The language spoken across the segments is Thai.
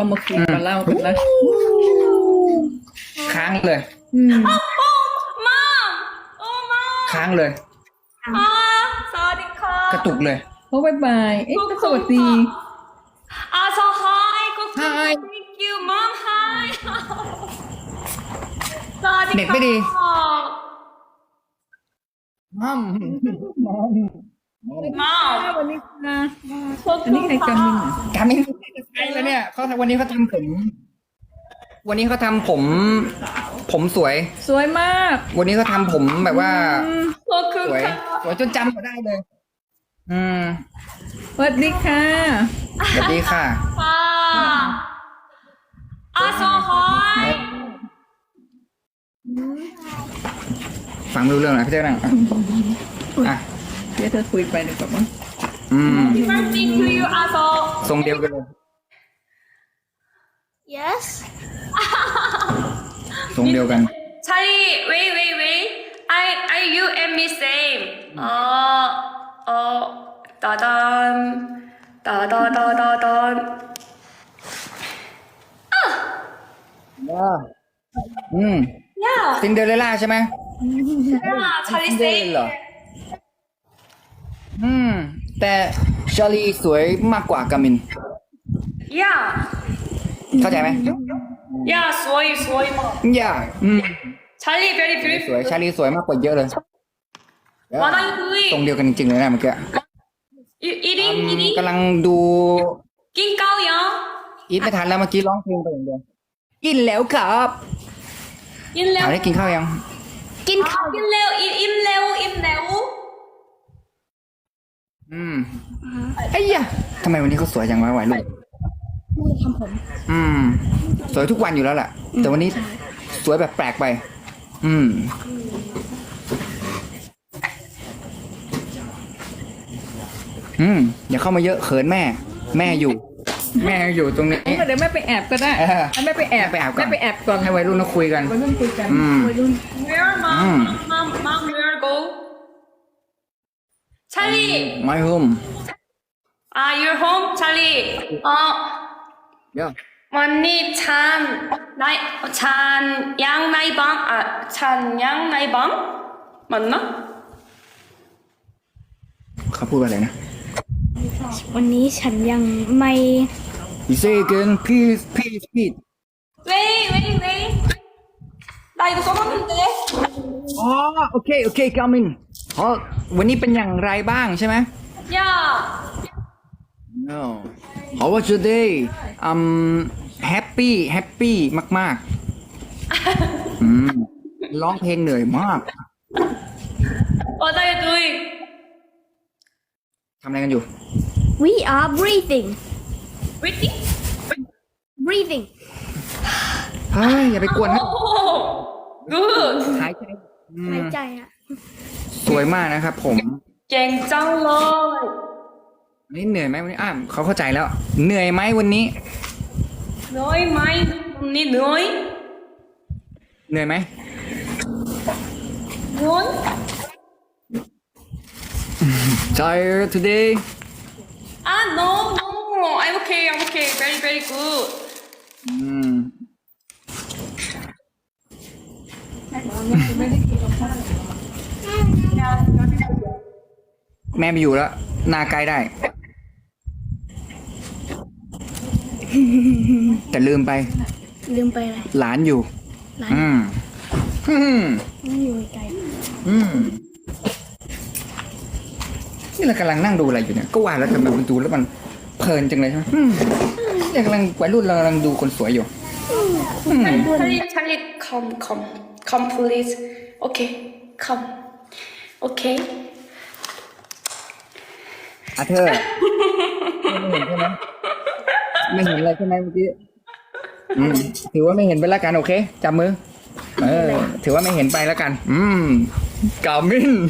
ก็มาคุยมาเล่ากันนะค้างเลย ค้างเลยสวัสดีค่ะกระตุกเลยโอ้บายบายเอ๊ะก็สวัสดี so hi Hi thank you mom hi สวัสดีค่ะเด็กไม่ดีมัม mom วันนี้ค่ะอันนี้ใครจำมินเหรอการไม่ใช่แล้วเนี่ยเขาวันนี้เขาทำผม วันนี้เขาทำผม ผมสวยสวยมากวันนี้เขาทำผมแบบว่าขอบคุณสวยค่ะสวยจนจำเขาได้เลย อืมสวัสดีค่ะสวัสดีค่ะ so hi ฟังไม่รู้เรื่องนะพี่เจ้านั่งอ่ะเดี๋ยวเธอคุยไปดีกว่ามั้งอืม birthday to you so ทรงเดียวกันเลย yes ทรงเดียวกัน Charlie wait I you and me same 따단 따다다다단 อืม yeah ซินเดอเรลล่าใช่ไหม yeah Charlie ซินเดอเรล same เหรอ อืม แต่ชาลีสวยมากกว่ากามิน yeah เข้าใจไหม yeah สวยมากอย่าอืม Charlie very สวย beautiful ชาลีสวยมากกว่าเยอะเลย What are you ตรง doing เดียวกันจริงๆเลยนะเมื่อกี้ you eating กำลังดูกินข้าวยังอีทไม่ทันแล้วเมื่อกี้ร้องเพลงไปอย่างเดียวกินแล้วครับกินแล้วถามได้กินข้าวยังกินข้าวกินแล้วอิ่มแล้วอืมไอ้ยะทำไมวันนี้เขาสวยจังวะวัยรุ่นทำผม อืม สวยทุกวันอยู่แล้วแหละแต่วันนี้สวยแบบแปลกไป อืม อย่าเข้ามาเยอะเขินแม่ แม่อยู่ แม่อยู่ตรงนี้เดี๋ยวแม่ไปแอบก็ได้เออแม่ไปแอบไปแอบก่อนแม่ไปแอบก่อนให้วัยรุ่นเขาคุยกันวัยรุ่นคุยกันอืมวัยรุ่น Where mom where go Charlie My home your home Charlie เดี๋ยววันนี้찬양나이방 맞나? เขาพูดว่าอะไรนะวันนี้ฉันยังไม่ You say again please please 왜 나 이거 써봤는데 อ๋อโอเคกามินอ๋อวันนี้เป็นอย่างไรบ้างใช่ไหม 야 No How was your day happy มากๆ ร้องเพลงเหนื่อยมาก What are you doing? ทำอะไรกันอยู่ We are breathing Waiting? breathing เฮ้ย อย่าไปกวนนะ Oh good หายใจหายใจอ่ะสวยมากนะครับผม 갱짱러 วันนี้เหนื่อยไหมวันนี้เขาเข้าใจแล้ว เหนื่อยไหมวันนี้ 너희 마이 언니 너희 เหนื่อยไหม 넌 Tired today no I'm okay very good อืมแม่ไปอยู่แล้ว นาไกลได้ แต่ลืมไปอะไรหลานอยู่หลานอืมไม่อยู่ไกลนี่เรากำลังนั่งดูอะไรอยู่เนี่ย ก็ว่าแล้วทำไมมันดูแล้วมันเพลินจังเลยใช่ไหมเนี่ยกำลังวัยรุ่นเรากำลังดูคนสวยอยู่ Charlie come please okay come okay อ่ะเธอ ไม่เห็นใช่ไหมไม่เห็นอะไรใช่ไหมเมื่อกี้ถือว่าไม่เห็นไปแล้วกันโอเคจับมือถือว่าไม่เห็นไปแล้วกัน กามิน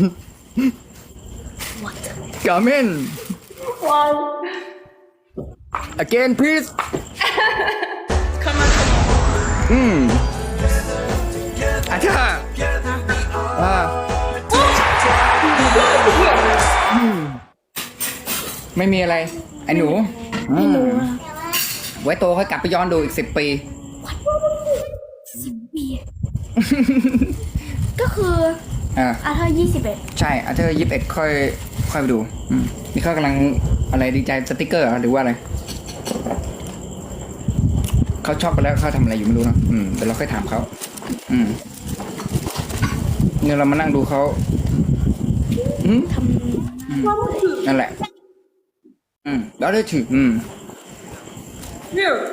กามิน wow again please come on อ่ะเธอไม่มีอะไรไอ้หนูไม่รู้อะไว้โตค่อยกลับไปย้อนดูอีก10 ปี 10 ปี ก็คืออ่าเธอ21 ใช่อาเธอร์21ค่อยไปดูนี่เขากำลังอะไรดีใจสติกเกอร์เหรอหรือว่าอะไรเขาชอบไปแล้วเขาทำอะไรอยู่ไม่รู้เนอะเดี๋ยวเราค่อยถามเขาเนี่ยเรามานั่งดูเขาทำนั่นแหละแล้วได้ถือ Here.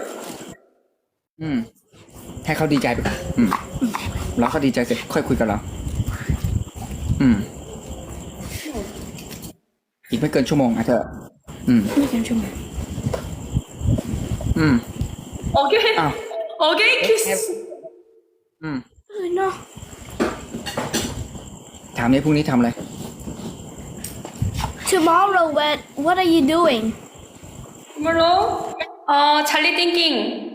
ให้เขาดีใจไปก่อนแล้วเขาดีใจเสร็จค่อยคุยกับเราอีกไม่เกินชั่วโมงอ่ะเธอไม่เกินชั่วโมง Okay. อ้าว Okay, kiss. เนาะถามนี้พรุ่งนี้ทำอะไร Tomorrow what are you doing Tomorrow? Charlie thinking.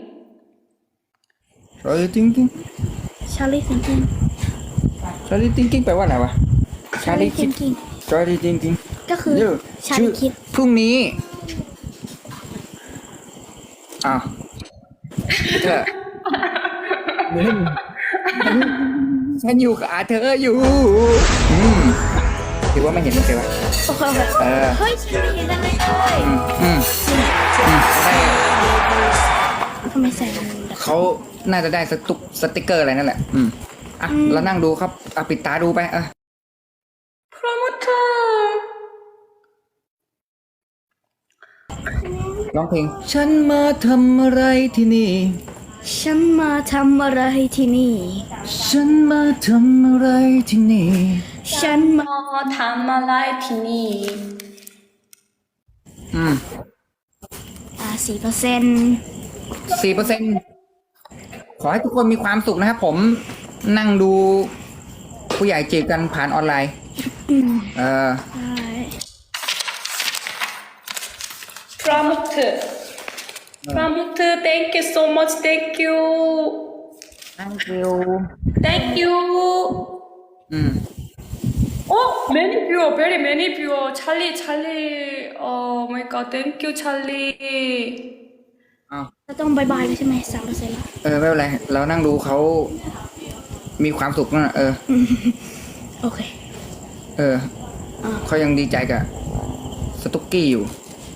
Charlie thinking Charlie thinking Charlie thinking แปลว่าอะไรวะ Charlie thinking Charlie thinking ก็คือ Charlie คิดพรุ่งนี้อ้าวเธอฉันอยู่กับอาเธออยู่ถือว่าไม่เห็นมันเลยวะโอเคเฮ้ยฉันไม่เห็นอะไรเลยทำไมใส่มันเขาน่าจะได้สติกเกอร์อะไรนั่นแหละเรานั่งดูครับปิดตาดูไป Promoter. ร้องเพลงฉันมาทำอะไรที่นี่ฉันมาทำอะไรที่นี่ฉันมาทำอะไรที่นี่ฉันมาทำอะไรที่นี่ 4% ขอให้ทุกคนมีความสุขนะครับผมนั่งดูผู้ใหญ่จีบกันผ่านออนไลน์ Promoter. Promoter, thank you so much. Thank you. Thank you Thank you. Oh, many viewer, very many viewer. Charlie. Oh my God, thank you, Charlie. เราต้องบายบายใช่ไหม3%แล้วไม่เป็นไรเรานั่งดูเขามีความสุขนะโอเคเขายังดีใจกับสตุ๊กกี้อยู่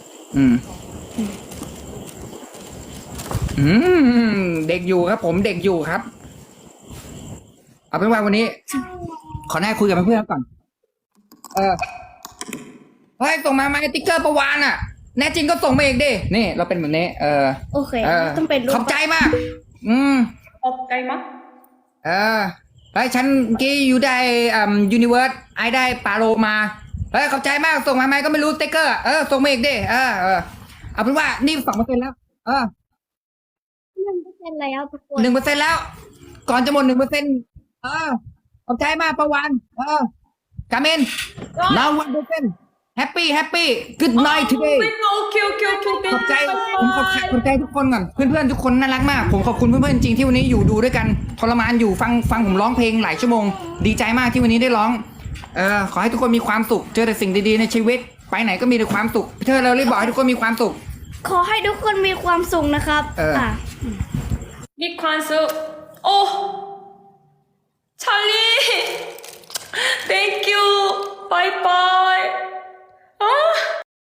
เด็กอยู่ครับผมเด็กอยู่ครับเอาเป็นว่าวันนี้ขอแน่คุยกับเพื่อนๆก่อนเฮ้ยส่งมาไหมติ๊กเกอร์ประวานอ่ะแน่จริงก็ส่งมาอีกดินี่เราเป็นแบบนี้โอเคต้องเป็นรูปขอบใจมากขอบใจมากเฮ้ยฉันกี้อยู่ได้ยูนิเวิร์สไอได้ปาโลมาเฮ้ยขอบใจมากส่งมาไหมก็ไม่รู้ติ๊กเกอร์ส่งมาอีกดิเอาเป็นว่านี่2%แล้ว 1%แล้วทุกคน 1%แล้วก่อนจะหมด 1%ขอบใจมากประวันกาเมน now 1%happy good night today โอเคขอบใจผมขอบใจทุกคนก่อนเพื่อนๆทุกคนน่ารักมากผมขอบคุณเพื่อนๆจริงที่วันนี้อยู่ดูด้วยกันทรมานอยู่ฟังผมร้องเพลงหลายชั่วโมงดีใจมากที่วันนี้ได้ร้องขอให้ทุกคนมีความสุขเจอแต่สิ่งดีๆในชีวิตไปไหนก็มีแต่ความสุขเธอเรารีบบอกให้ทุกคนมีความสุขขอให้ทุกคนมีความสุขนะครับมีความสุขโอ้ Charlie thank you bye bye